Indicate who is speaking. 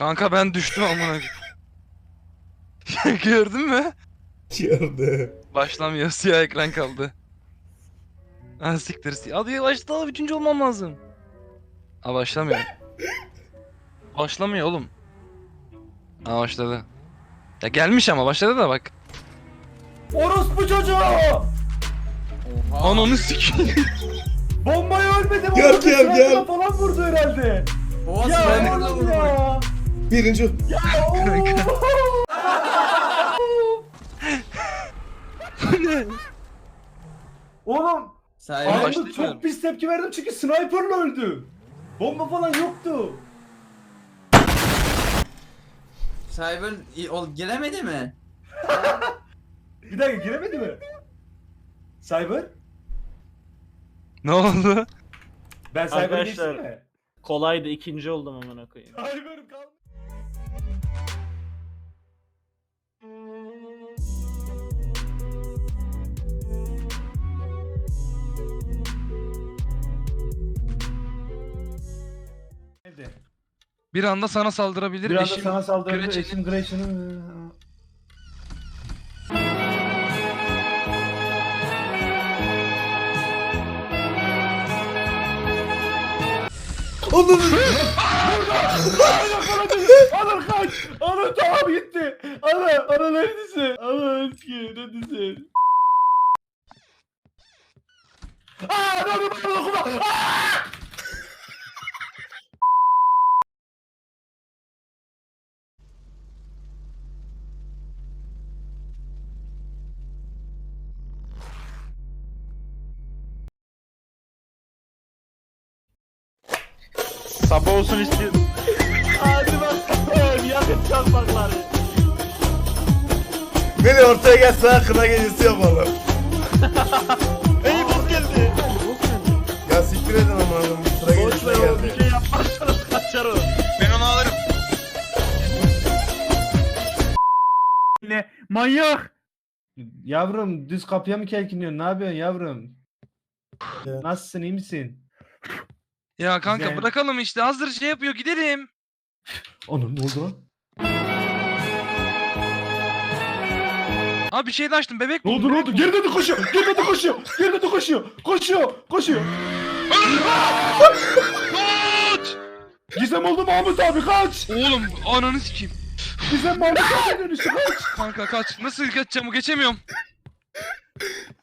Speaker 1: Kanka ben düştüm amına. Gördün mü?
Speaker 2: Gördüm.
Speaker 1: Başlamıyor, siyah ekran kaldı. Ha siktir. Hadi başla, üçüncü olmam lazım. Ha başlamıyor. Başlamıyor oğlum. Ha başladı. Ya gelmiş ama başladı da bak.
Speaker 3: Orospu çocuğu!
Speaker 1: Ananı sikeyim.
Speaker 3: Bombaya ölmedim.
Speaker 2: Gel,
Speaker 3: orada
Speaker 2: gel,
Speaker 3: sniper'la
Speaker 2: gel.
Speaker 3: falan vurdu herhalde.
Speaker 4: Oha
Speaker 3: Ya
Speaker 4: sniper'la
Speaker 3: oğlum
Speaker 4: vurdu.
Speaker 3: ya.
Speaker 2: Birinci.
Speaker 3: Ya ooo. Oğlum
Speaker 4: Sahibi
Speaker 1: Başla-
Speaker 3: anında
Speaker 1: başlayacağım.
Speaker 3: çok pis tepki verdim çünkü sniper'la öldü. Bomba falan yoktu.
Speaker 4: giremedi mi?
Speaker 3: Bir dakika giremedi mi? Cyber?
Speaker 1: Ne oldu?
Speaker 3: Ben Cyber'a
Speaker 5: Arkadaşlar.
Speaker 3: geçtim mi?
Speaker 5: Kolaydı, ikinci oldum amına koyayım.
Speaker 3: Cyber kaldı. Evde.
Speaker 1: Bir anda sana saldırabilir.
Speaker 3: Bir anda
Speaker 1: eşim
Speaker 3: sana saldırdı.
Speaker 1: Gretchen'in-
Speaker 3: Eşim Gretchen'ın...
Speaker 2: Onun.
Speaker 3: Anıl kaç! Anıl tamam gitti! Anıl neredesin? Anıl eski neredesin? Aaa! Anıl okuma!
Speaker 5: Sabah olsun istiyorum. Hadi bakalım, yakın çarpakları.
Speaker 2: Beni ortaya gel, sana kına gecesi yapalım.
Speaker 5: Ey bok geldi.
Speaker 2: Ya siktir edin ama adam sıra
Speaker 5: Boş ver
Speaker 2: gecesine
Speaker 5: oğlum, bir
Speaker 2: geldi.
Speaker 5: şey yapmazsanız kaçar o.
Speaker 1: Ben onu alırım.
Speaker 5: Ne? Manyak.
Speaker 3: Yavrum düz kapıya mı kelkiniyorsun? Ne yapıyorsun yavrum?
Speaker 2: Ya.
Speaker 3: Nasılsın iyi misin?
Speaker 1: Ya kanka
Speaker 3: Güzel.
Speaker 1: bırakalım işte. Hazır şey yapıyor, gidelim.
Speaker 3: Anıl ne oldu lan?
Speaker 1: Abi bir şey de açtım, bebek
Speaker 3: Ne
Speaker 1: bu.
Speaker 3: oldu ne oldu? Geri döndü koşuyor! Geri döndü koşuyor! Geri döndü koşuyor! Koşuyor!
Speaker 1: Kaç!
Speaker 3: Gizem oldu Mahmut abi kaç!
Speaker 1: Oğlum ananı sikeyim.
Speaker 3: Gizem Mahmut abi dönüştü kaç!
Speaker 1: Kanka kaç. Nasıl kaçacağım, geçemiyorum.